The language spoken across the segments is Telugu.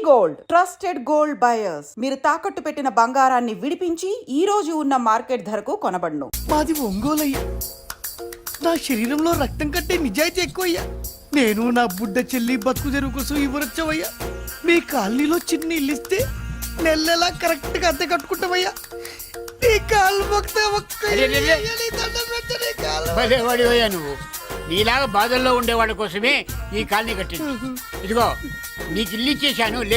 గోల్డ్ ట్రస్టెడ్ గోల్డ్ బయర్స్ మీరు తాకట్టు పెట్టిన బంగారాన్ని విడిపించి ఈ రోజు ఉన్న మార్కెట్ ధరకు కొనబడును. మాది ఒంగోలయ్యా. నా శరీరంలో రక్తం కట్టే నిజాయితీ ఎక్కువయ్యా. నేను నా బుడ్డ చెల్లి బతుకు తెరువు కోసం ఇవ్వరొచ్చవయ్యా. మీ కాలనీలో చిన్న ఇల్లు ఇస్తే నెలలా కరెక్ట్ గా అద్దె కట్టుకుంటామయ్యా. నీ కాళ్ళు భలేవాడివయ్యా నువ్వు. నీలాగా బాధల్లో ఉండేవాళ్ళ కోసమే ఈ కాలనీ కట్టింది. ఇదిగో నీకు ఇల్లు ఇచ్చేశాను, లే.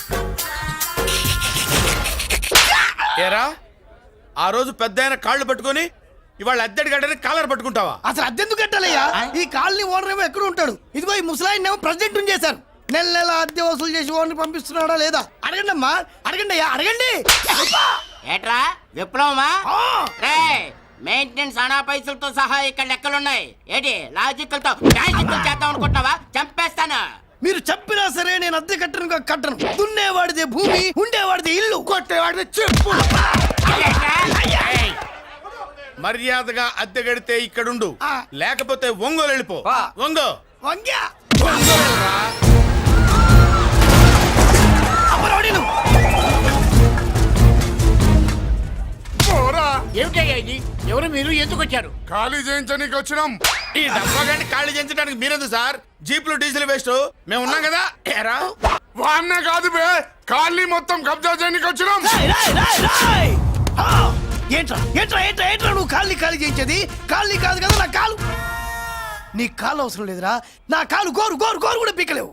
ఏరా ఆ రోజు పెద్ద ఆయన కాళ్ళు పట్టుకొని ఇవాళ అద్దెడి గడ్డని కాలర్ పట్టుకుంటావా? అసలు అద్దెందుకు కట్టాలయ్యా? ఈ కాలనీ ఓనర్ ఏమో ఎక్కడ ఉంటాడు? ఇదిగో ఈ ముసలాయిన్ ఏమో ప్రెసిడెంట్ చేశారు. నెల నెల అద్దె వసూలు చేసి ఓనర్ పంపిస్తున్నాడా లేదా అడగండి అమ్మా, అడగండి అయ్యా, అడగండి. ఏట్రా విప్లవమా? మెయింటెనెన్స్ అనా పైసలతో సహా ఇక్కడ లెక్కలున్నాయి. ఏంటి లాజికల్ తో చేద్దాం అనుకుంటున్నావా? చంపేస్తాను. మీరు చెప్పినా సరే నేను అద్దె కట్టను. దున్నేవాడిదే భూమి, ఉండేవాడిదే ఇల్లు, కొట్టేవాడిదే చెప్పు. మర్యాదగా అద్దె గడితే ఇక్కడుండు, లేకపోతే ఒంగోలు వెళ్ళిపో. ఒంగో వంగ్యా ఏమిటయ్యా ఇది? ఎవరు మీరు? ఎందుకు వచ్చారు? ఖాళీ చేయించడానికి వచ్చినాం. ఈ డబ్బా గంట ఖాళీ చేయించడానికి మీరెందు సార్? జీపులు డీజిల్ వేస్ట్, మేము ఉన్నాం కదా. ఏరా వాన్నే కాదు బే, ఖాళీ మొత్తం కబ్జా చేయడానికి వచ్చినాం. ఏంట్రా ఏంట్రా ఏంట్రా ఏంట్రా నువ్వు ఖాళీ చేయించేది? ఖాళీ కాదు కదా నా కాలు. నీ కాలు అవసరం లేదురా, నా కాలు గోరు గోరు గోరు కూడా పీకలేవు.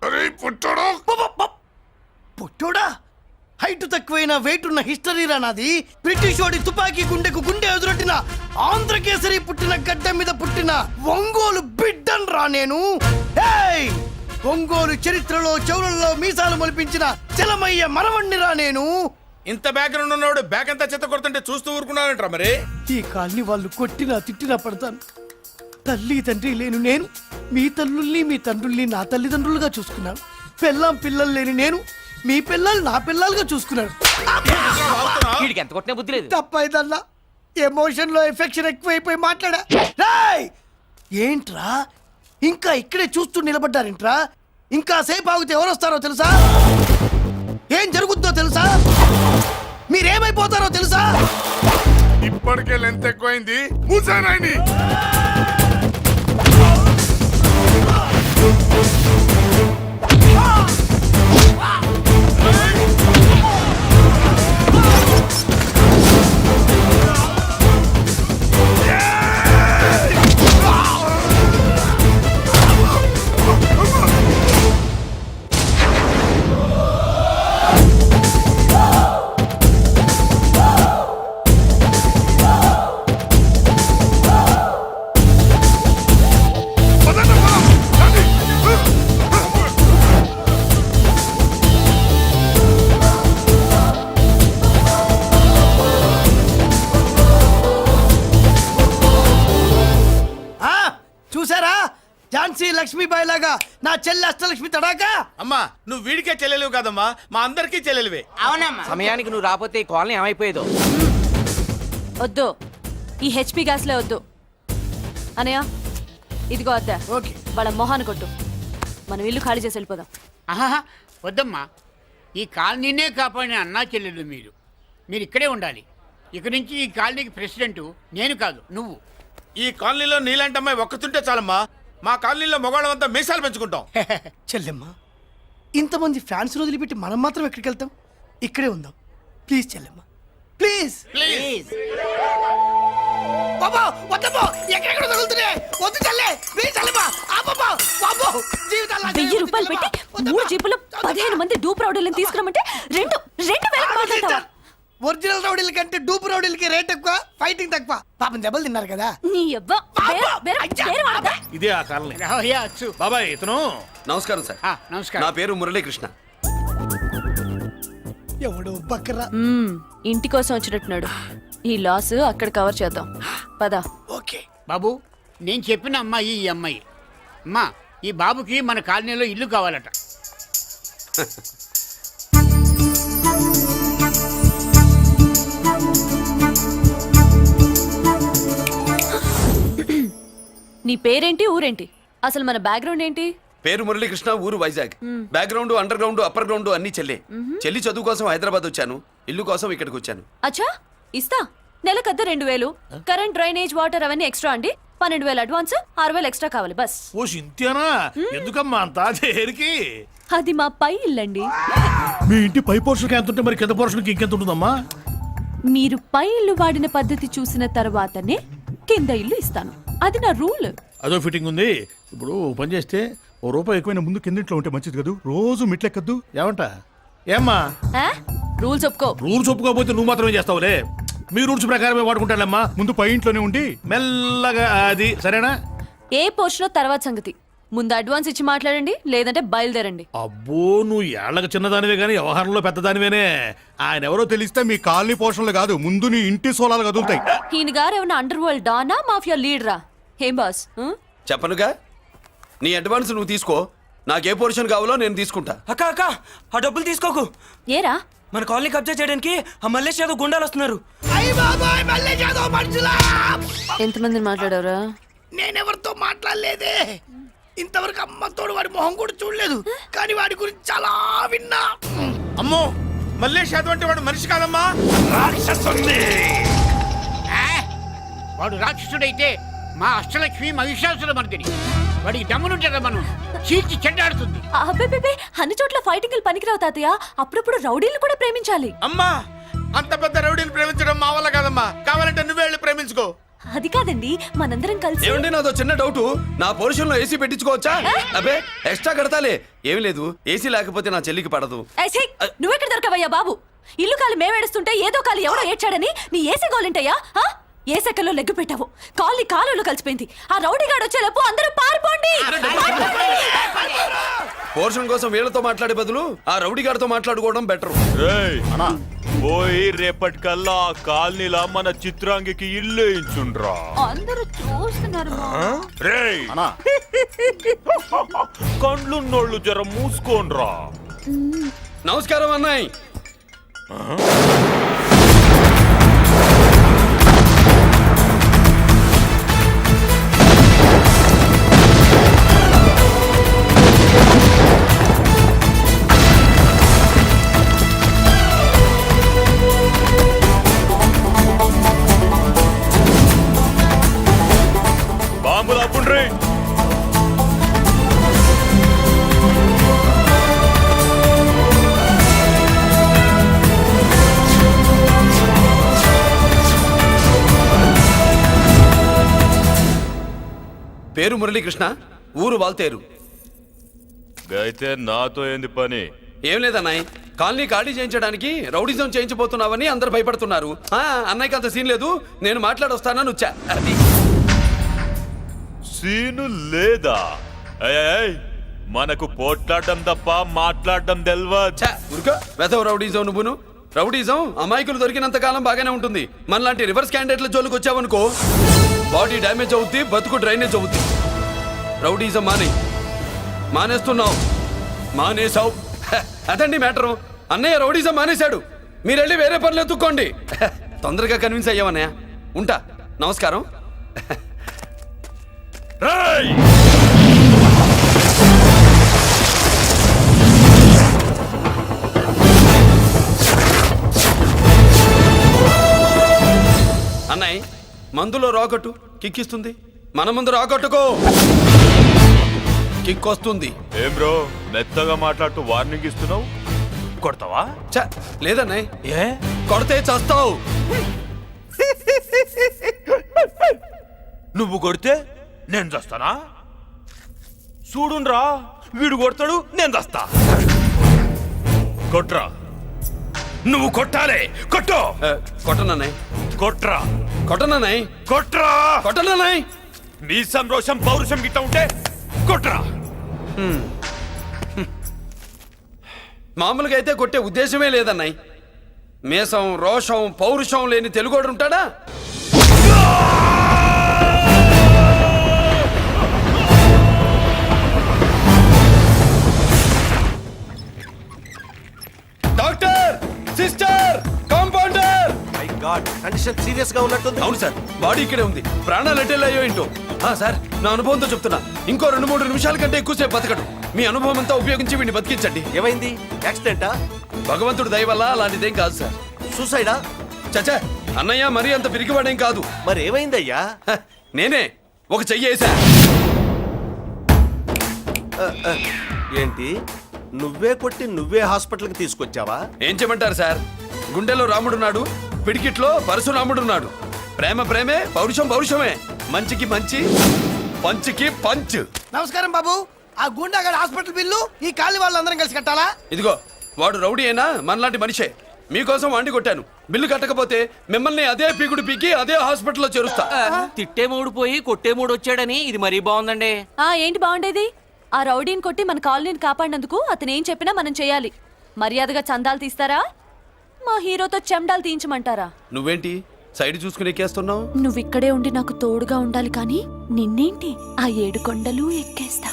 పుట్టోడా? హైట్ తక్కువైన వెయిట్ ఉన్న హిస్టరీ రా నాది. బ్రిటిష్ వాడి తుపాకీ గుండెకు గుండె ఎదురొట్టిన ఆంధ్రకేసరి పుట్టిన గడ్డ మీద పుట్టిన ఒంగోలు బిడ్డన్ రా నేను. ఒంగోలు చరిత్రలో చౌరల్లో మీసాలు మొలిపించిన చలమయ్య మనవణ్ణి రా నేను. ఇంత బ్యాక్గ్రౌండ్ ఉన్నవాడు బ్యాక్ అంతా చెత్త కొడుతుంటే చూస్తూ ఊరుకున్నారంట. మరి ఈ కాల్ని వాళ్ళు కొట్టినా తిట్టినా పడతాను. తల్లి తండ్రి లేను నేను మీ తల్లుల్ని మీ తండ్రుల్ని నా తల్లిదండ్రులుగా చూసుకున్నాను. పెళ్ళాం పిల్లలు లేని నేను మీ పిల్లలు నా పిల్లలుగా చూసుకున్నాను. తప్పైదల్లా ఎమోషన్ లో ఎఫెక్షన్ ఎక్కువైపోయి మాట్లాడా. ఏంట్రా ఇంకా ఇక్కడే చూస్తూ నిలబడ్డారేంట్రా? ఇంకా సేపు ఆగితే ఎవరు వస్తారో తెలుసా? ఏం జరుగుతుందో తెలుసా? మీరేమైపోతారో తెలుసా? ఇప్పటికే లెంత్ ఎక్కువైంది. మూసానాయని లక్ష్మీబాయి లాగా నా చెల్లి అష్టలక్ష్మి తడాకా. అమ్మా నువ్వు వీడికే చెల్లెలివి కాదమ్మా, మా అందరికీ చెల్లెలివే. అవునమ్మా. సమయానికి నువ్వు రాకపోతే ఈ కాలనీ ఏమైపోయేదో. వద్దు, ఈ హెచ్పి గ్యాస్లే వద్దు. అనయ్య ఇదిగో అద్దా. ఓకే, వాళ్ళ మొహాన్ని కొట్టు. మనం ఇల్లు ఖాళీ చేసి వెళ్ళిపోదాం. ఆహా వద్దమ్మా, ఈ కాలనీనే కాపాడిన అన్నా చెల్లెలు మీరు ఇక్కడే ఉండాలి. ఇక నుంచి ఈ కాలనీకి ప్రెసిడెంట్ నేను కాదు, నువ్వు. ఈ కాలనీలో నీలాంటి అమ్మాయి ఒక్కతుంటే చాలమ్మా. మా కాలనీలో మగవాళ్ళంతా మీసాలు పెంచుకుంటాం. చెల్లెమ్మ, ఇంతమంది ఫ్యాన్స్ వదిలిపెట్టి మనం మాత్రం ఎక్కడికి వెళ్తాం? ఇక్కడే ఉందాం ప్లీజ్ చెల్లెమ్మ, ప్లీజ్ ప్లీజ్. బాబా వద్దమ్మా, ఎక్కడెక్కడ తగులుతున్నాయి, వద్దు చెల్లె, ప్లీజ్ చెల్లెమ్మ. బాబా 1000 రూపాయలు పెట్టి 3 జీపులు 15 మంది డూప్ రౌడీలను తీసుకురమ్మంటే 2000 మాట్లాడతావా? ఒరిజినల్ రౌడీల కంటే డూప్ రౌడీలకి రేట్ ఎక్కువ, ఫైటింగ్ తక్కువ. పాపం దెబ్బలు తిన్నారు కదా. ఇదే ఆ కాలనీ. బాబాయ్ ఇతను. నమస్కారం సార్. నమస్కారం. నా పేరు మురళీకృష్ణ. ఎవడు బక్కరా. ఇంటి కోసం వచ్చినట్టున్నాడు. ఈ లాస్ అక్కడ కవర్ చేద్దాం పద. ఓకే బాబు, నేను చెప్పిన అమ్మాయి ఈ అమ్మాయి. అమ్మా, ఈ బాబుకి మన కాలనీలో ఇల్లు కావాలట. నీ పేరేంటి, ఊరేంటి, అసలు మన బ్యాక్గ్రౌండ్ ఏంటి? పేరు మురళీకృష్ణ, ఊరు Vizag. Background, underground, upper ground అన్ని చెల్లె. చెల్లి చదువు కోసం హైదరాబాద్ వచ్చాను, ఇల్లు కోసం ఇక్కడికి వచ్చాను. అచ్చా ఇస్తా. నెలకద్ద 2000, కరెంట్, డ్రైనేజ్, వాటర్ అవన్నీ ఎక్స్ట్రా అండి. 12,000 అడ్వాన్స్, 6,000 ఎక్స్ట్రా కావాలి బస్. ఓ సింత్యానా, ఎందుకమ్మా అంతా చేరికి? అది మా పై ఇల్లండి. మీ ఇంటి పై పోర్షన్కి ఎంత ఉంటే మరి కింద పోర్షన్కి ఇంకెంత ఉంటుందమ్మా? మీరు పై ఇల్లు వాడిన పద్ధతి చూసిన తర్వాతనే కింద ఇల్లు ఇస్తాను. అది నా రూల్. అదో ఫిట్టింగ్ ఉంది. ఇప్పుడు ఓ పని చేస్తే ₹1 ఎక్కువైనా ముందు కిందింట్లో ఉంటే మంచిది కదా, రోజు మిట్లెక్కద్దు. ఏమంటా? ఏమ్మా రూల్స్ ఒప్పుకో. రూల్స్ ఒప్పుకోకపోతే నువ్వు మాత్రమే చేస్తావులే. మీ రూల్స్ ప్రకారమే వాడుకుంటానమ్మా. ముందు పై ఇంట్లోనే ఉండి మెల్లగా అది, సరేనా? ఏ పోర్షన్ తర్వాత సంగతి. ముందు అడ్వాన్స్ ఇచ్చి మాట్లాడండి, లేదంటే బయలుదేరండి. అబ్బో, నువ్వు ఏళ్ళకి చిన్నదానివే కానీ వ్యవహారంలో పెద్దదానివేనే. ఆయన ఎవరో తెలిస్తే మీ కాలనీ పోషణలు కాదు, ముందు నీ ఇంటి సోలాలు కదులుతాయి. ఈయన గారు ఏమన్నా అండర్ వరల్డ్ డానా, మాఫియా లీడరా? ఏం బాస్? చెప్పనుగా, నీ అడ్వాన్స్ నువ్వు తీసుకో, నాకే పోర్షన్ కావాలో నేను తీసుకుంటా. అక్క అక్క, ఆ డబ్బులు తీసుకోకు. ఏరా? మన కాలనీ కబ్జా చేయడానికి ఆ మల్లేష్ యాదవ్ గుండాలు వస్తున్నారు. అయ్య బాబాయ్, మళ్ళీ ఏదో మనుషులా! ఎంతమందిని మాట్లాడారా? నేనెవరితో మాట్లాడలేదే. ఇంతవరకు అమ్మతోడు వాడి మొహం కూడా చూడలేదు, కానీ వాడి గురించి చాలా విన్నా. అమ్మో, మల్లేష్ యాదవ్ అంటే వాడు మనిషి కాదమ్మా, రాక్షసుని. వాడు రాక్షసుడైతే మా అష్టలక్ష్మి మహిషాసుల మర్దిని. వాడికి దమ్మునుంటారా మనం చీల్చి చెడ్డాడుతుంది. అబ్బే, అన్ని చోట్ల ఫైటింగ్ పనికిరావు తాతయ్య. అప్పుడప్పుడు రౌడీలు కూడా ప్రేమించాలి. అమ్మా అంత పెద్ద రౌడీని ప్రేమించడం మా వల్ల కాదమ్మా, కావాలంటే నువ్వే వెళ్ళి ప్రేమించుకో. అది కాదండి, మనందరం కలిసి. ఏమండి, నాదో చిన్న డౌట్. నా పోర్షన్ లో ఏసీ పెట్టించుకోవచ్చా? అబ్బే, ఎక్స్ట్రా కడతాలే. ఏమి లేదు, ఏసీ లేకపోతే నా చెల్లికి పడదు. నువ్వెక్కడ దొరకవయ్యా బాబు? ఇల్లు కాలు మేమేడుస్తుంటే ఏదో కాలు ఎవడో ఏడ్చాడని నీ ఏసీ గోలింటయ్యా? ఏ సెకల్లో లెగ్గు పెట్టావు, కాలి కాలులో కలిసిపోయింది. ఆ రౌడీ గాడు వచ్చేలోపు అందరూ పారిపోండి. పోర్షన్ కోసం వీళ్ళతో మాట్లాడే బదులు ఆ రౌడీ గారితో మాట్లాడుకోవడం బెటర్. పోయి రేపటికల్లా ఆ కాలనీలా మన చిత్రాంగికి ఇల్లు ఇచ్చుండ్రా. అందరూ చూస్తున్నారు. రేయ్, కండ్లున్నోళ్ళు జర మూసుకోండ్రా. నమస్కారం అన్నాయ్. బాంబులు అప్పుండ్రీ. పేరు మురళీకృష్ణ, ఊరు వాల్తేరు. అయితే నాతో ఏంది పని? ఏం లేదన్నాయ్, కాలనీ ఖాళీ చేయించడానికి రౌడిజం చేయించబోతున్నావని అందరు భయపడుతున్నారు. అన్నయ్యకి అంత సీన్ లేదు, నేను మాట్లాడొస్తానని వచ్చా. అది సీను లేదా? ఏయ్, మనకు పోట్లాడడం తప్ప మాట్లాడడం తెల్వా. ఉరుకో, వెధవ రౌడీజం నువ్వును. రౌడీజం అమాయకులు దొరికినంత కాలం బాగానే ఉంటుంది. మనలాంటి రివర్స్ క్యాండిడేట్ల జోలికి వచ్చావనుకో, బాడీ డ్యామేజ్ అవుద్ది, బతుకు డ్రైనేజ్ అవుద్ది. రౌడీజం మానేస్తున్నావు, మానేసావు. అదండి మ్యాటరు. అన్నయ్య రౌడీజం మానేశాడు, మీరెళ్ళి వేరే పనులు ఎత్తుక్కోండి. తొందరగా కన్విన్స్ అయ్యావన్నయ్య. ఉంటా, నమస్కారం. అన్నయ్య, మందులో రాకట్టు కిక్కిస్తుంది, మన ముందు రాకట్టుకో, కిక్ వస్తుంది. ఏం బ్రో, మెత్తగా మాట్లాడుతూ వార్నింగ్ ఇస్తున్నావు? కొడతావా? లేదన్నయ్య, ఏ కొడితే చస్తావు. నువ్వు కొడితే నేను చస్తానా? చూడుండ్రా, వీడు కొడతాడు, నేను చస్తా. కొట్రా, నువ్వు కొట్టాలే. కొట్టు. కొట్టనన్నయ్య, కొట్రా. కొట్టనన్నయ్య, కొట్రా. కొట్టనన్నయ్య. నీ సంరోషం పౌరుషం గిట్ట ఉంటే కొట్రా. మామూలుగా అయితే కొట్టే ఉద్దేశమే లేదన్నయ్య. మేషం, రోషం, పౌరుషం లేని తెలుగోడు ఉంటాడా? Doctor, sister, compounder, god, condition serious గా ఉన్నట్టుంది. అవును సార్, బాడీ ఇక్కడే ఉంది. ప్రాణాలు ఎట్టెళ్ళాయో ఏంటో. సార్, నా అనుభవంతో చెప్తున్నా, ఇంకో 2-3 నిమిషాల కంటే ఎక్కువసేపు బతకడు. మీ అనుభవం అంతా ఉపయోగించి వీడిని బతికించండి. ఏమైంది? యాక్సిడెంటా? భగవంతుడు దయ వల్ల అలాంటిదేం కాదు సార్. సూసైడా? చచ్చా, అన్నయ్య మరీ అంత పిరికివాడేం కాదు. మరి ఏమైందయ్యా? నేనే ఒక చెయ్యి వేసా. ఏంటి, నువ్వే కొట్టి నువ్వే హాస్పిటల్కి తీసుకొచ్చావా? ఏం చేయమంటారు సార్, గుండెలో రాముడున్నాడు, పిడికిట్లో పరశురాముడున్నాడు. ప్రేమ ప్రేమే, పౌరుషం పౌరుషమే, మంచికి మంచి, పంచికి పంచ్. నమస్కారం బాబు. ఆ గుండాగడ్ హాస్పిటల్ బిల్లు ఈ కాలి వాళ్ళందరం కలిసి కట్టాలా? ఇదిగో, వాడు రౌడీ అయినా మనలాంటి మనిషే. మీకోసం వండి కొట్టాను. బిల్లు కట్టకపోతే మిమ్మల్ని అదే పీకుడు పీకి అదే హాస్పిటల్లో చేరుస్తా. తిట్టే మూడు పోయి కొట్టే మూడు వచ్చాడని ఇది మరీ బాగుందండి. ఏంటి బాగుండేది? ఆ రౌడీని కొట్టి మన కాలనీని కాపాడినందుకు అతను ఏం చెప్పినా మనం చేయాలి. మర్యాదగా చందాలు తీస్తారా, మా హీరోతో చెండాలు తీయించమంటారా? నువ్వేంటి సైడ్ చూసుకుని ఎక్కేస్తున్నావు? నువ్విక్కడే ఉండి నాకు తోడుగా ఉండాలి కానీ నిన్నేంటి ఆ 7 కొండలు ఎక్కేస్తా.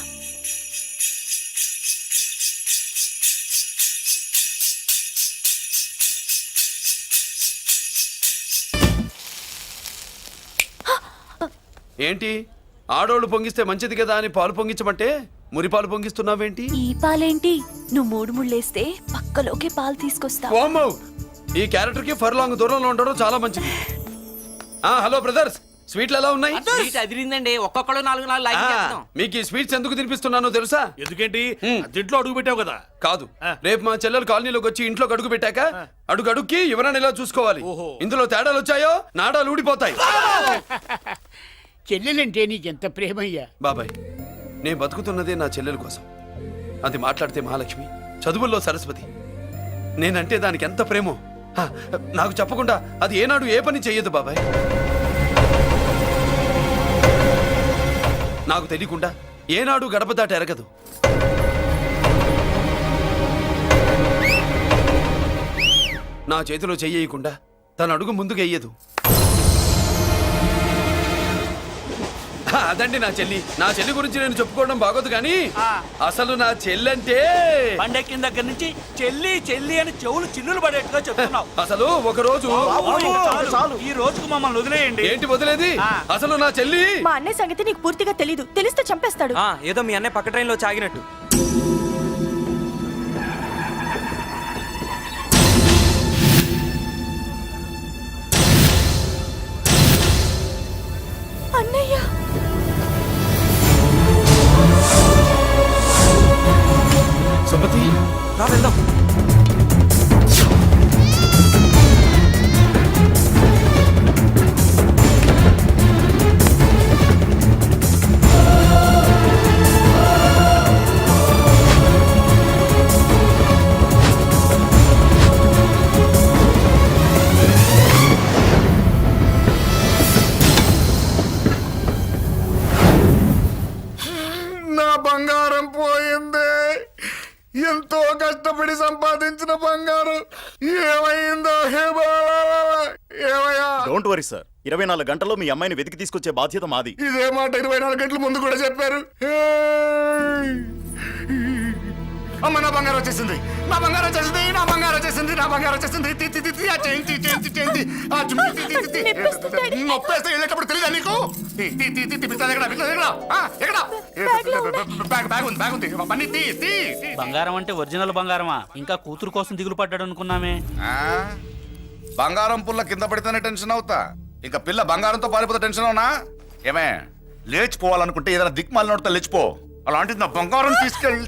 ఏంటి, ఆడోళ్ళు పొంగిస్తే మంచిది కదా అని పాలు పొంగించమంటే మురిపాలు పొంగిస్తున్నావేంటి? ఈ పాలేంటి? నువ్వు 3 ముళ్ళేస్తే పక్కలోకే పాలు తీసుకొస్తా. ఓమ్మో, ఈ క్యారెక్టర్ కి ఫర్ లాంగ్ దూరంలో ఉండడం చాలా మంచిది. హలో బ్రదర్స్, స్వీట్లు ఎలా ఉన్నాయి? అదిరిందండి, ఒక్కొక్కడు 4 లైక్ చేస్తాం. మీకు ఈ స్వీట్స్ ఎందుకు తినిపిస్తున్నానో తెలుసా? ఎందుకేంటి దీంట్లో అడుగు పెట్టావు కదా? కాదు, రేపు మా చెల్లెలు కాలనీలోకి వచ్చి ఇంట్లో అడుగు పెట్టాక అడుగుకి ఎవరైనా ఇలా చూసుకోవాలి. ఇందులో తేడాలు వచ్చాయో నాడాలు ఊడిపోతాయి. చెల్లెలంటే నీకెంత ప్రేమయ్యా? బాబాయ్, నేను బతుకుతున్నదే నా చెల్లెల కోసం. అది మాట్లాడితే మహాలక్ష్మి, చదువుల్లో సరస్వతి. నేనంటే దానికి ఎంత ప్రేమో నాకు చెప్పకుండా అది ఏనాడు ఏ పని చెయ్యదు బాబాయ్. నాకు తెలియకుండా ఏనాడు గడప దాట ఎరగదు. నా చేతిలో చెయ్యకుండా తన అడుగు ముందుకు వెయ్యదు. అదండి నా చెల్లి. నా చెల్లి గురించి నేను చెప్పుకోవడం బాగోదు కానీ అసలు నా చెల్లంటే పండెక్కిన దగ్గర నుంచి చెల్లి చెల్లి అని చెవులు చిల్లులు పడేట్టుగా చెప్తున్నావు. అసలు ఒక రోజు ఈ రోజుకు మమ్మల్ని వదిలేయండి. ఏంటి వదిలేది? అసలు నా చెల్లి. మా అన్నయ్య సంగతి నీకు పూర్తిగా తెలీదు. తెలిస్తే చంపేస్తాడు. ఏదో మీ అన్నయ్య పక్క ట్రైన్ లో చాగినట్టు. అన్నయ్య సుమతి, రా వెళ్దాం. నా బంగారం పోయింది. ఎంతో కష్టపడి సంపాదించిన బంగారం ఏమైందో హే బాబా, ఏమయ్యా? డోంట్ వరీ సార్, 24 గంటల్లో మీ అమ్మాయిని వెతికి తీసుకొచ్చే బాధ్యత మాది. ఇదే మాట 24 గంటల ముందు కూడా చెప్పారు. అమ్మ, నా బంగారం వచ్చేసింది, నా బంగారం వచ్చేసింది, నా బంగారం వచ్చేసింది, నా బంగారం వచ్చేసింది. ఆ చేయించి చేయించి చేయించి ఆ జుమ్మి నొప్పేస్తే వెళ్ళేటప్పుడు తెలియదా నీకు? బ్యాగ్ ఉంది, బ్యాగ్ ఉంది. పని తీ. బంగారం అంటే ఒరిజినల్ బంగారమా? ఇంకా కూతురు కోసం దిగులు పడ్డాడు అనుకున్నామే. బంగారం పుల్ల కింద పడితేనే టెన్షన్ అవుతా, ఇంకా పిల్ల బంగారంతో పారిపోతే టెన్షన్ అవునా? ఏమే, లేచిపోవాలనుకుంటే ఏదైనా దిక్మాలి నోడితే లేచిపో. అలాంటిది నా బంగారం తీసుకెళ్ళి.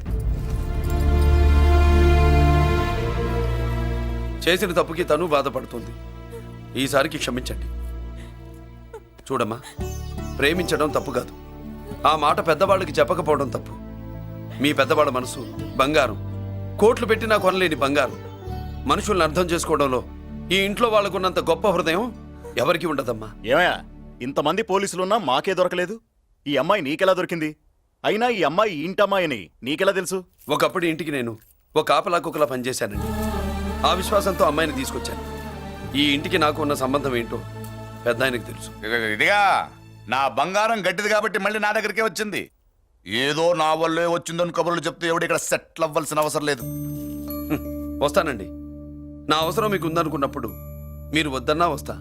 చేసిన తప్పుకి తను బాధపడుతుంది. ఈసారికి క్షమించండి. చూడమ్మా, ప్రేమించడం తప్పు కాదు, ఆ మాట పెద్దవాళ్ళకి చెప్పకపోవడం తప్పు. మీ పెద్దవాళ్ళ మనసు బంగారం, కోట్లు పెట్టినా కొనలేని బంగారం. మనుషుల్ని అర్థం చేసుకోవడంలో ఈ ఇంట్లో వాళ్ళకున్నంత గొప్ప హృదయం ఎవరికి ఉండదమ్మా. ఏమయ్యా, ఇంతమంది పోలీసులున్నా మాకే దొరకలేదు. ఈ అమ్మాయి నీకెలా దొరికింది? అయినా ఈ అమ్మాయి ఈ ఇంటమ్మాయి అని నీకెలా తెలుసు? ఒకప్పుడు ఇంటికి నేను ఒక ఆపలా కుక్కలా పనిచేశానండి. ఆ విశ్వాసంతో అమ్మాయిని తీసుకొచ్చాను. ఈ ఇంటికి నాకు ఉన్న సంబంధం ఏంటో పెద్ద ఆయనకు తెలుసు. ఇదిగా నా బంగారం గట్టిది కాబట్టి మళ్ళీ నా దగ్గరికే వచ్చింది. ఏదో నా వల్లే వచ్చిందని కబుర్లు చెప్తే ఎవడు ఇక్కడ సెటిల్ అవ్వాల్సిన అవసరం లేదు. వస్తానండి. నా అవసరం మీకు ఉందనుకున్నప్పుడు మీరు వద్దన్నా వస్తా.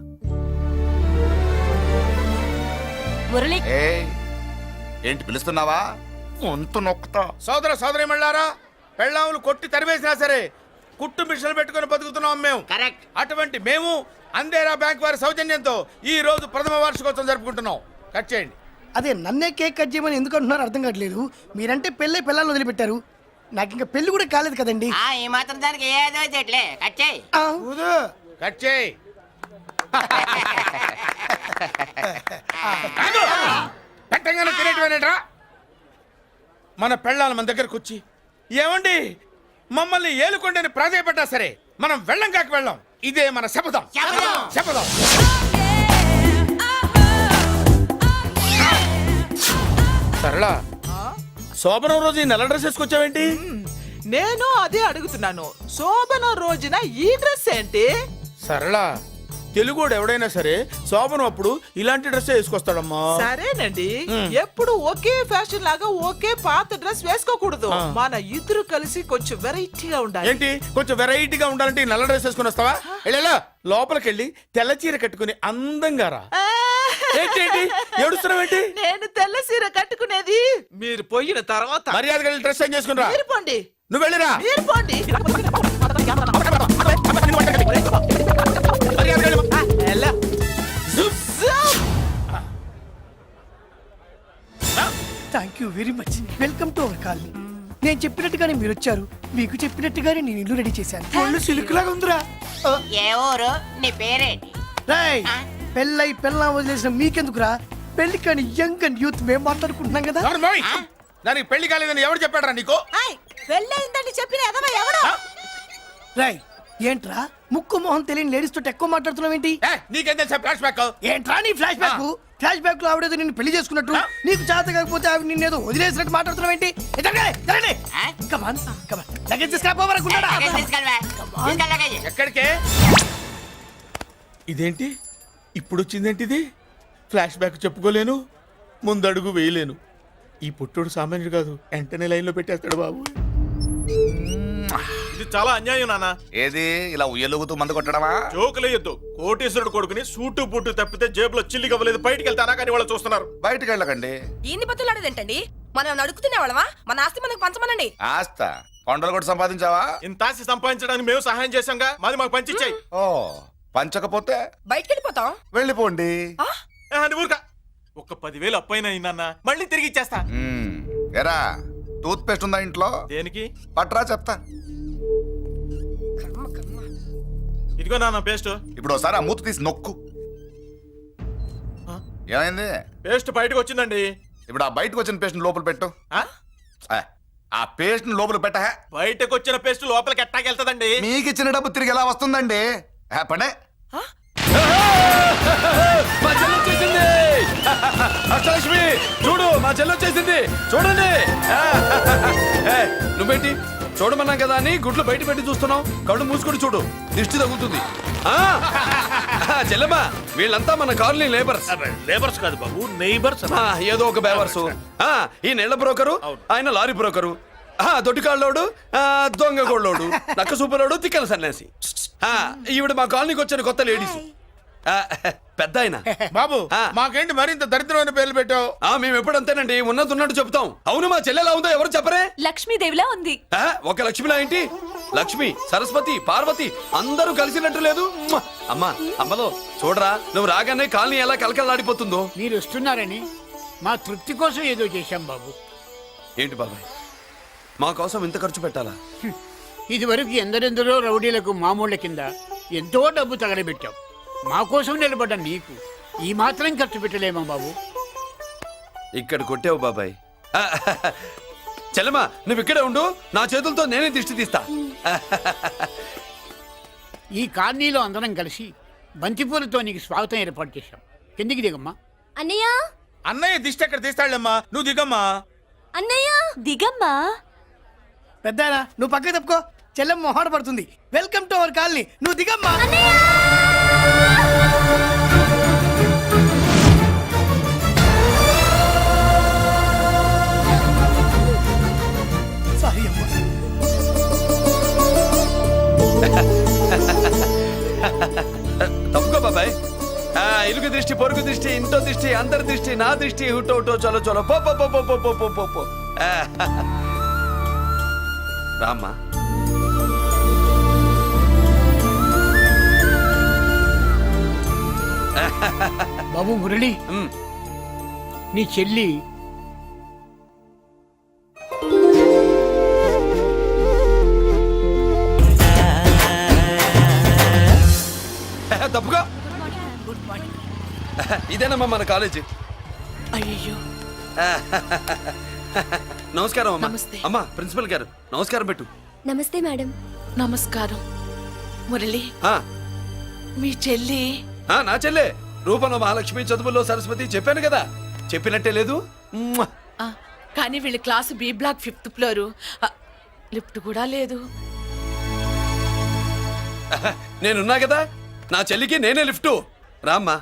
మురళి ఏంటి పిలుస్తున్నావా? వంతు నొక్కుతా. సోదర సోదరి మళ్ళారా, పెళ్ళాములు కొట్టి తరివేసినా సరే కుట్టు మిషన్లు పెట్టుకుని బతుకుతున్నాం మేము. కరెక్ట్. అటువంటి మేము అందేరా బ్యాంక్ వారి సౌజన్యంతో ఈ రోజు ప్రథమ వార్షికోత్సవం జరుపుకుంటున్నాం. కట్ చేయండి. అదే నన్నే కేక్ కట్ చేయమని ఎందుకు అంటున్నారో అర్థం కావట్లేదు. మీరంటే పెళ్ళై పిల్లల్ని వదిలిపెట్టారు, నాకు ఇంకా పెళ్లి కూడా కాలేదు కదండి. ఈ మాత్రం దానికి ఏదో చెట్లే కచ్చాయి. ఆ, కట్ చేయి. పెట్టంగానే తినేటివేనేట్రా? మన పెళ్ళాలు మన దగ్గరకు వచ్చి ఏమండి మమ్మల్ని ఏలుకొండని ప్రాధాయపడ్డా సరే మనం వెళ్ళం కాక వెళ్ళం. ఇదే మన శపథం. శపథం. సరళా, శోభనం రోజు ఈ నల్ల డ్రెస్ వేసుకొచ్చావేంటి? నేను అదే అడుగుతున్నాను. శోభనం రోజున ఈ డ్రెస్ ఏంటి? సరళా, తెలుగుడు ఎవడైనా సరే శోభనం అప్పుడు ఇలాంటి డ్రెస్ వేసుకొస్తాడమ్మా. సరేనండి, ఎప్పుడు ఒకే ఫ్యాషన్ లాగా ఒకే పాత డ్రెస్ వేసుకోకూడదు. మన ఇద్దరు కలిసి కొంచెం వెరైటీగా ఉండాలి. ఏంటి కొంచెం వెరైటీగా ఉండాలంటే ఈ నల్ల డ్రెస్ వేసుకుని వస్తావా? వెళ్ళా లోపలికి వెళ్ళి తెల్ల చీర కట్టుకుని అందంగా రా. ఏంటి ఏడుస్తున్నావేంటి? నేను తెల్ల సీర కట్టుకునేది మీరు పోయిన తర్వాత. మర్యాదగా వెళ్ళి డ్రెస్ చేంజ్ చేసుకుని రా. మీరు పోండి. నువ్వు వెళ్ళిరా. మీరు పోండి. మర్యాదగా వెళ్ళు. ఎలా? Thank you very much. Welcome to our colony. నేను చెప్పినట్టుగానే మీరు వచ్చారు, మీకు చెప్పినట్టుగానే నేను ఇల్లు రెడీ చేశాను. ఒళ్ళు సిల్క్ లాగా ఉందిరా. ఏ ఊరు? నీ పేరేంటి? రాయ్, పెళ్ళై పెళ్ళా వదిలేసిన మీకెందుకురా? పెళ్లి కాని యంగ్ అండ్ యూత్ మేము మాట్లాడుకుంటున్నాం కదా. ఎవరు మోయ్? దానికి పెళ్లి కాలేదని ఎవరు చెప్పాడరా నీకు? పెళ్ళయిందని చెప్పిన ఎదవ ఎవడు? రాయ్, ఏంట్రా ముక్కు మొహం తెలియని లేడీస్ తోటి ఎక్కువ మాట్లాడుతున్నావు ఏంటి? నీకేం తెలుసా ఫ్లాష్ బ్యాక్? ఏంట్రా నీ ఫ్లాష్ బ్యాక్? ఫ్లాష్ బ్యాక్ లో ఆవిడేదో నిన్ను పెళ్లి చేసుకున్నట్టు, నీకు చేత కాకపోతే ఆవిడ నిన్నేదో వదిలేసినట్టు మాట్లాడుతున్నావు ఏంటి? ఎక్కడికే? ఇదేంటి ఇప్పుడు వచ్చిందేంటి? ఇది ఫ్లాష్ బ్యాక్ చెప్పుకోలేను, ముందడుగు వేయలేను. ఈ పుట్టుడు సామాన్యుడు కాదు, వెంటనే లైన్ లో పెట్టేస్తాడు బాబు. ఇది చాలా అన్యాయం నాన్న. ఏది ఇలా ఉయ్యలుగుతూ మందు కొట్టడమా? జోకులేయొద్దు. కోటేశ్వరుడు కొడుకుని సూటు బుట్టు తప్పితే జేబులో చిల్లి కవ్వలేదు, బయటికి వెళ్తానా కానీ వాళ్ళు చూస్తున్నారు. బయటికి వెళ్ళకండి. ఏంది బతులాడేదేంటండి? మనం నడుకుతున్న వాళ్ళమా? మన ఆస్తి మనకు పంచమనండి. ఆస్త కొండలు కూడా సంపాదించావా? ఇంత ఆస్తి సంపాదించడానికి మేము సహాయం చేశాంగా, మాది మాకు పంచిచ్చాయి. ఓ, పంచకపోతే బయటికి వెళ్ళిపోతాం. వెళ్ళిపోండి. అని ఊరుక. ఒక 10,000 అప్పైన అయిందన్న, మళ్ళీ తిరిగి ఇచ్చేస్తా. ఎరా, టూత్ పేస్ట్ ఉందా ఇంట్లో? దేనికి? పట్రా చెప్తా. ఇదిగో నాన్న పేస్ట్. ఇప్పుడు ఒకసారి ఆ మూత తీసి నొక్కు. ఏమైంది? పేస్ట్ బయటకు వచ్చిందండి. ఇప్పుడు ఆ బయటకు వచ్చిన పేస్ట్ లోపల పెట్టు. ఆ పేస్ట్ లోపల పెట్ట. బయటకు వచ్చిన పేస్ట్ లోపలికి ఎట్టాకెళ్తదండి? మీకు ఇచ్చిన డబ్బు తిరిగి ఎలా వస్తుందండి? పడే. మా చెల్లి వచ్చేసింది. అష్టలక్ష్మి చూడు, మా చెల్లి వచ్చేసింది. చూడండి. నువ్వేంటి చూడమన్నా కదా అని గుడ్లు బయట పెట్టి చూస్తున్నావు? కళ్ళు మూసుకొని చూడు, దిష్టి తగులుతుంది. చెల్లెమ్మా, వీళ్ళంతా మన కాలనీ లేబర్స్. లేబర్స్ కాదు బాబు, నైబర్స్. ఏదో ఒక బేవర్సు. ఈ నెల బ్రోకరు, ఆయన లారీ బ్రోకరు, దొడ్డికాళ్ళోడు, దొంగ గోళ్ళోడు, నక్క సూపరోడు, తిక్కల సన్యాసి. ఈవిడ మా కాలనీకి వచ్చిన కొత్త లేడీస్. పెద్ద ఆయన. బాబు, మాకేంటి మరింత దరిద్రమైన పేర్లు పెట్టావు? మేము ఎప్పుడంతేనండి, ఉన్నది ఉన్నట్టు చెప్తాం. అవును, మా చెల్లెలా ఉందో ఎవరు చెప్పరే? లక్ష్మీదేవిలా ఉంది. ఒక లక్ష్మిలా ఏంటి? లక్ష్మి, సరస్వతి, పార్వతి అందరూ కలిసినట్టు లేదు. అమ్మా, అమ్మలో చూడరా, నువ్వు రాగానే కాలనీ ఎలా కలకలాడిపోతుందో. మీరు వస్తున్నారని మా తృప్తి కోసం ఏదో చేశాం బాబు. ఏంటి బాబాయ్, మా కోసం ఇంత ఖర్చు పెట్టాలా? ఇదివరకు ఎందరెందరో రౌడీలకు మామూళ్ళ కింద ఎంతో డబ్బు తగలబెట్టాం. మా కోసం నిలబడ్డ నీకు ఈ మాత్రం ఖర్చు పెట్టలేమా బాబు? ఇక్కడ కొట్టావు బాబాయ్. చెల్లెమ్మా, నువ్వు ఇక్కడే ఉండు, నా చేతులతో నేనే దిష్టి తీస్తా. ఈ కాలనీలో అందరం కలిసి బంతిపూలతో నీకు స్వాగతం ఏర్పాటు చేశాం. కిందికి దిగమ్మా. అన్నయ్య, అన్నయ్య దిష్టి ఎక్కడ తీస్తాడమ్మా, నువ్వు దిగమ్మా. అన్నయ్య దిగమ్మా. పెద్దాయనా, నువ్వు పక్కకి తప్పుకో, చెల్లెమ్మ మొహాట పడుతుంది. వెల్కమ్ టు అవర్ కాలనీ, నువ్వు దిగమ్మా. సారీ అమ్మా. దిష్టి పొరుగు దిష్టి ఇంట్లో దిష్టి అందరి దిష్టి నా దిష్టి హుటో హుటో చలో చలో పో పో పో పో పో పో పో పో పో రామ్మా. బాబు మురళి, ఉమ్. నీ చెల్లి తప్పుగా ఇదేనమ్మా మన కాలేజీ. అయ్యో నమస్కారం అమ్మా. నమస్తే. అమ్మా ప్రిన్సిపల్ గారు నమస్కారం పెట్టు. నమస్తే మేడం. నమస్కారం. మురళి, ఆ, మీ చెల్లి నా చెల్లె రూపంలో మహాలక్ష్మి, చదువుల్లో సరస్వతి చెప్పాను కదా, చెప్పినట్టే లేదు. మ్మ్. ఆ, కానీ వీళ్ళ class B block 5th floor. Lift కూడా లేదు. నేనున్నా కదా, నా చెల్లికి నేనే లిఫ్ట్. రామ్మా.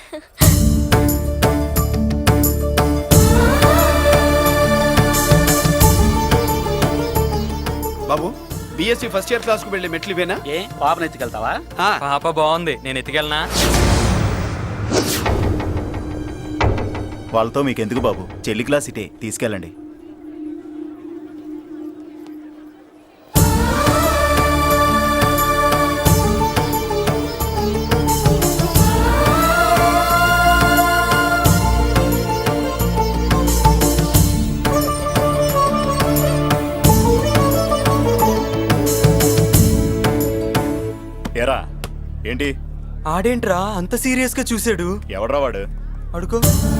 బాబు బిఎస్సి ఫస్ట్ ఇయర్ క్లాస్ కు వెళ్ళి మెట్లు ఇవేనా? ఏ పాపను ఎత్తుకెళ్తావా? ఆ. పాప బాగుంది, నేను ఎత్తుకెళ్ళనా? వాళ్ళతో మీకెందుకు బాబు, చెల్లి క్లాస్ ఇటే తీసుకెళ్ళండి. ఎరా ఏంటి? ఆడేంట్రా అంత సీరియస్ గా చూసాడు? ఎవడ్రా వాడు? అడుకో.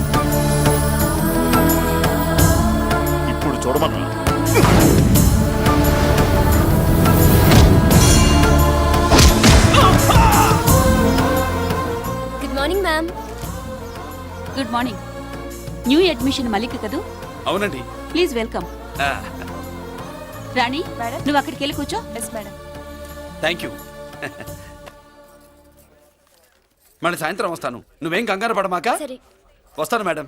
ఇప్పుడు చూడమన్నా. Good morning ma'am. Good morning. New admission Mallika కదూ? అవునండి. Please welcome. ఆ, రాణి, నువ్వు అక్కడికి వెళ్ళి కూర్చో. Yes madam. Thank you. మళ్ళీ సాయంత్రం వస్తాను, నువ్వేం కంగారు పడమాక. సరే. వస్తాను మేడం.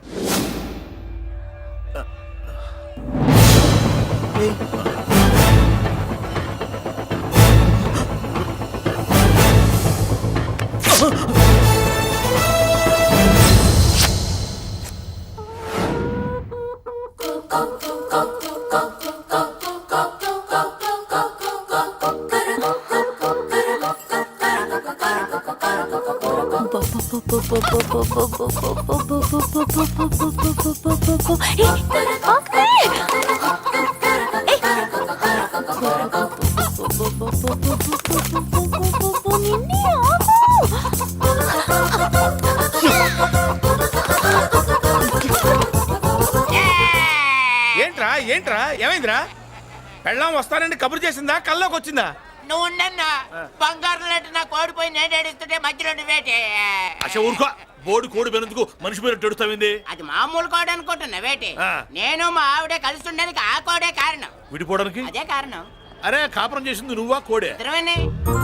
ఏంట్రా ఏంట్రా ఏమైందిరా? పెళ్ళాం వస్తానండి కబురు చేసిందా, కల్లోకి వచ్చిందా? నువ్వు ఉండన్నా బంగారం లాంటి నా కోడిపోయి నేను ఏడుస్తుంటే మధ్యలో నువ్వేటే. అసలు ఊరుకో, బోర్డు కోడి పెనందుకు మనిషి మీద టెడుస్తావింది. అది మామూలు కోడి అనుకుంటున్నా వేటి. ఆ. నేను మా ఆవిడే కలిసి ఉండడానికి ఆ కోడే కారణం. విడిపోవడానికి? అదే కారణం. అరే కాపురం చేసింది నువ్వా కోడే? ఇద్దరమేనే.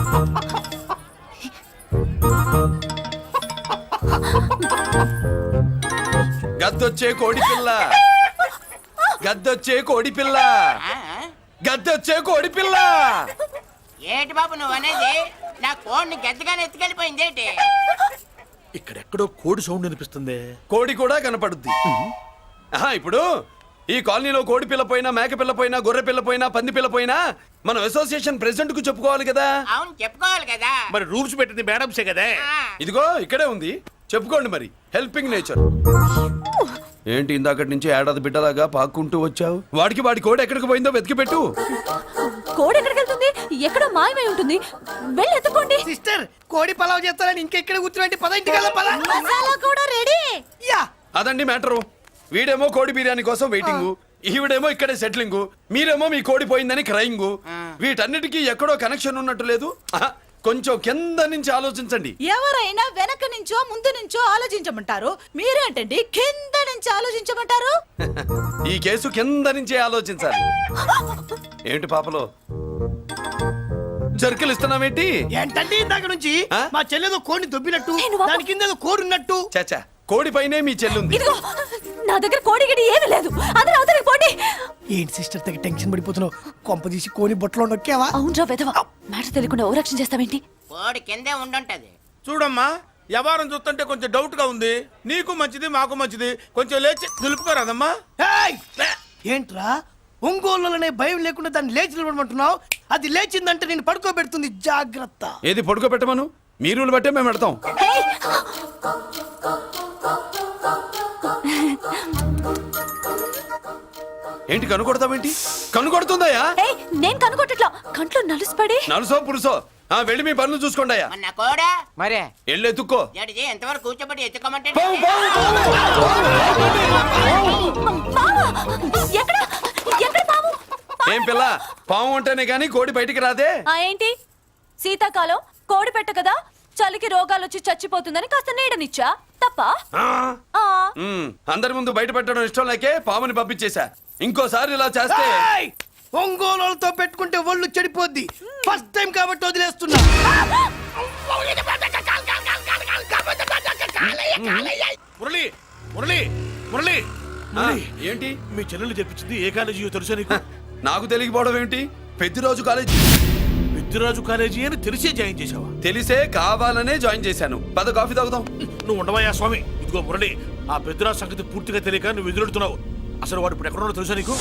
గద్దొచ్చే కోడి పిల్ల, గద్దొచ్చే కోడి పిల్ల, ఆ? గద్దొచ్చే కోడి పిల్ల. ఏటి బాబు నువ్వు అనేది? నా కోడిని గెద్దగానే ఎత్తుకెళ్ళిపోయింది ఏంటి? ఇక్కడెక్కడో కోడి సౌండ్ అనిపిస్తుంది. కోడి కూడా కనపడుద్ది. ఆహా, ఇప్పుడు ఈ కాలనీలో కోడి పిల్ల పోయినా, మేక పిల్ల పోయినా, గొర్రె పిల్ల పోయినా, పంది పిల్ల పోయినా మనం అసోసియేషన్ ప్రెసిడెంట్ కు చెప్పుకోవాలి కదా. అవును చెప్పుకోవాలి కదా. మరి రూల్స్ పెట్టింది మేడమ్సే కదా. ఆ. ఇదిగో ఇక్కడే ఉంది, చెప్పుకోండి మరి. Helping nature. ఏంటి ఇందాకటి నుంచి ఏడాది బిడ్డలాగా పాక్కుంటూ వచ్చావు? వాడికి వాడి కోడి ఎక్కడికి పోయిందో వెతికి పెట్టు. కోడి ఎక్కడికి వెళ్తుంది? ఎక్కడో మాయమై ఉంటుంది. వెళ్ళి ఎత్తుకోండి. సిస్టర్, కోడి పలావ్ చేస్తారని ఇంకెక్కడ కూర్చోండి. పద ఇంటికి వెళ్దాం, పద. మసాలా కూడా రెడీ. యా. అదండి మ్యాటరు. వీడేమో కోడి బిర్యానీ కోసం వెయిటింగ్, ఈవిడేమో ఇక్కడే సెటిలింగ్, మీరేమో మీ కోడి పోయిందని క్రయింగ్. వీటన్నిటికీ ఎక్కడో కనెక్షన్ ఉన్నట్టు లేదు. ఆహా, కొంచెం కింద నుంచి ఆలోచించండి. ఎవరైనా వెనక నుంచో ముందు నుంచో ఆలోచించమంటారు, మీరేంటండి కింద నుంచి ఆలోచించమంటారు? ఈ కేసు కింద నుంచే ఆలోచించాలి. ఏంటి పాపలో జర్కలు ఇస్తున్నావేంటి? ఏంటంటే ఇందాక నుంచి ఆ? మా చెల్లెదో కోడిని దొబ్బినట్టు, నేను బాబు. దాని కింద ఏదో కోడి ఉన్నట్టు. చాచా, కోడి పైనే మీ చెల్లుంది. ఇదిగో నా దగ్గర కోడి గిడి ఏమీ లేదు. అందరూ అవతలికి పోండి. ఏంటి సిస్టర్ తెగ టెన్షన్ పడిపోతున్నావు? కొంప తీసి కోడి బొట్టలో నొక్కావా? అవునరా వెధవ, మ్యాటర్ తెలియకుండా ఓ రక్షణ చేస్తావేంటి? కోడి కిందే ఉండుంటది. చూడమ్మా, వ్యవహారం చూస్తుంటే కొంచెం డౌట్ గా ఉంది. నీకు మంచిది మాకు మంచిది, కొంచెం లేచి నిలుపుకోరాదమ్మా. ఏయ్! ఏంట్రా ఒంగోలులోనే భయం లేకుండా దాన్ని లేచి నిలబడమంటున్నావు? అది లేచిందంటే నేను పడుకోబెడుతుంది, జాగ్రత్త. ఏది పడుకోబెట్టమను, మీ రూల్ బట్టే మేము పెడతాం. ఏంటి కనుకొడతావేంటి? కనుకొడుతుందయ్యా? నేను కనుకొట్టట్లా, కంట్లో నలుసుపడి. నలుసో పురుసో వెళ్ళి మీ పనులు చూసుకోండి అయ్యా. మన కోడా మరే వెళ్ళి ఎత్తుక్కో. జడిజీ ఎంతవరకు కూర్చోబెట్టి ఎత్తుకోమంటే ఎక్కడ ఎక్కడ పాము? ఏం పిల్ల, పాము అంటేనే గాని కోడి బయటికి రాదే. ఏంటి శీతాకాలం కోడి పెట్ట కదా, చలికి రోగాలు వచ్చి చచ్చిపోతుందని కాస్త నీడనిచ్చా తప్ప. అందరి ముందు బయట పెట్టడం ఇష్టం లేకే పాముని పంపించేశా. ఇంకోసారి ఇలా చేస్తే ఒంగోలుతో పెట్టుకుంటే ఒళ్ళు చెడిపోద్ది. ఫస్ట్ టైం కాబట్టి వదిలేస్తున్నా. మురళి మురళి మురళి ఏంటి మీ చెల్లెలు చెప్పించింది ఏ కాలేజీ తెలుసా నీకు? నాకు తెలియకపోవడం ఏంటి? పెద్దిరాజు కాలేజీ. పెద్దిరాజు కాలేజీ అని తెలిసే జాయిన్ చేసావా? తెలిసే కావాలనే జాయిన్ చేశాను. పద కాఫీ తాగుదాం. నువ్వు ఉండవయ్యా స్వామి. ఇదిగో మురళి, ఆ పెద్దిరాజు సంగతి పూర్తిగా తెలియక నువ్వు ఎదురెడుతున్నావు. అసలు వాడు ఇప్పుడు ఎక్కడున్నాడో తెలుసా నీకు?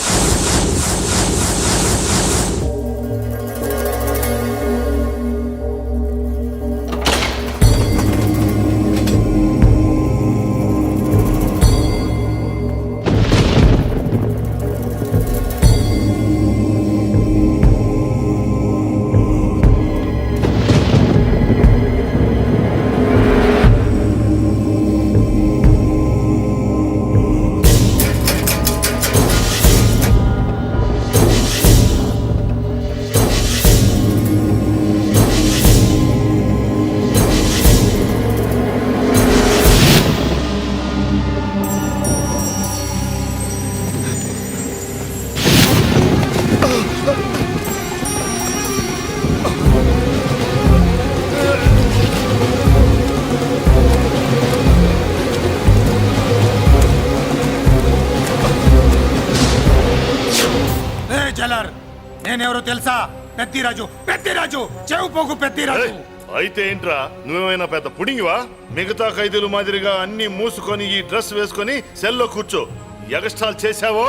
నేనెవరో తెలుసా? పెద్దిరాజు, పెద్దిరాజు, చెవు పోగు పెద్దిరాజు. అయితే ఏంట్రా, నువ్వేమైనా పెద్ద పుడింగివా? మిగతా ఖైదీలు మాదిరిగా అన్ని మూసుకొని ఈ డ్రెస్ వేసుకొని సెల్లో కూర్చో. ఎగస్ట్రాల్ చేశావో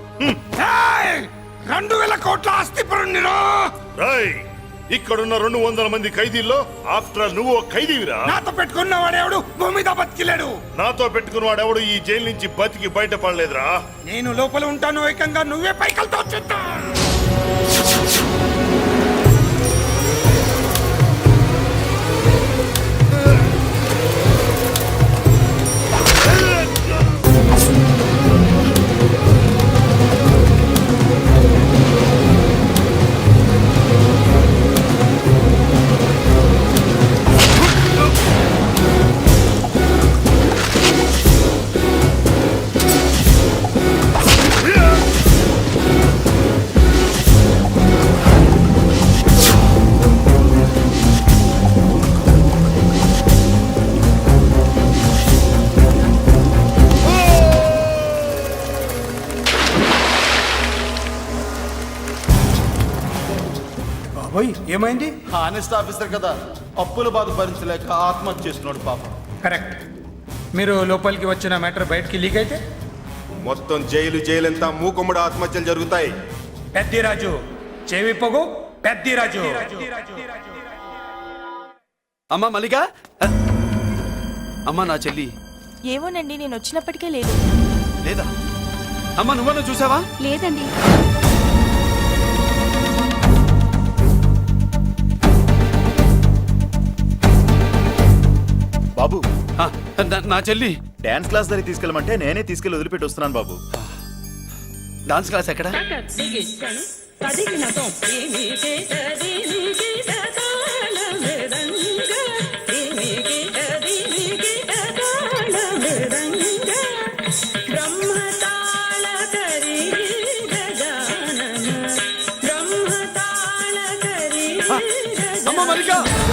2000 కోట్ల ఆస్తి పరుణ్ణిరా. ఇక్కడున్న 200 మంది ఖైదీల్లో ఆఫ్టర్ నువ్వు ఒక ఖైదీవిరా. నాతో పెట్టుకున్నవాడెవడు భూమి మీద బతికిలేడు. నాతో పెట్టుకున్నవాడెవడు ఈ జైలు నుంచి బతికి బయటపడలేదురా. నేను లోపల ఉంటాను, ఏకంగా నువ్వే పైకలతో వచ్చేస్తా. ఏమైంది? హానెస్ట్ ఆఫీసర్ కదా, అప్పుల బాధ భరించలేక ఆత్మహత్య చేసుకున్నాడు పాపం. కరెక్ట్. మీరు లోపలికి వచ్చిన మ్యాటర్ బయటికి లీక్ అయితే మొత్తం జైలు అంతా మూకుమ్మడి ఆత్మహత్యలు జరుగుతాయి. పెద్దిరాజు, చెవి పొగు పెద్దిరాజు. అమ్మా మల్లిక, అమ్మా నా చెల్లి. ఏమోనండి, నేను వచ్చినప్పటికే లేదు. లేదా అమ్మా, నువ్వన్నా చూసావా? లేదండి. బాబు, నా చెల్లి డాన్స్ క్లాస్ దగ్గర తీసుకెళ్ళమంటే నేనే తీసుకెళ్ళి వదిలిపెట్టి వస్తున్నాను బాబు. డాన్స్ క్లాస్ ఎక్కడ? అమ్మ మల్లిక,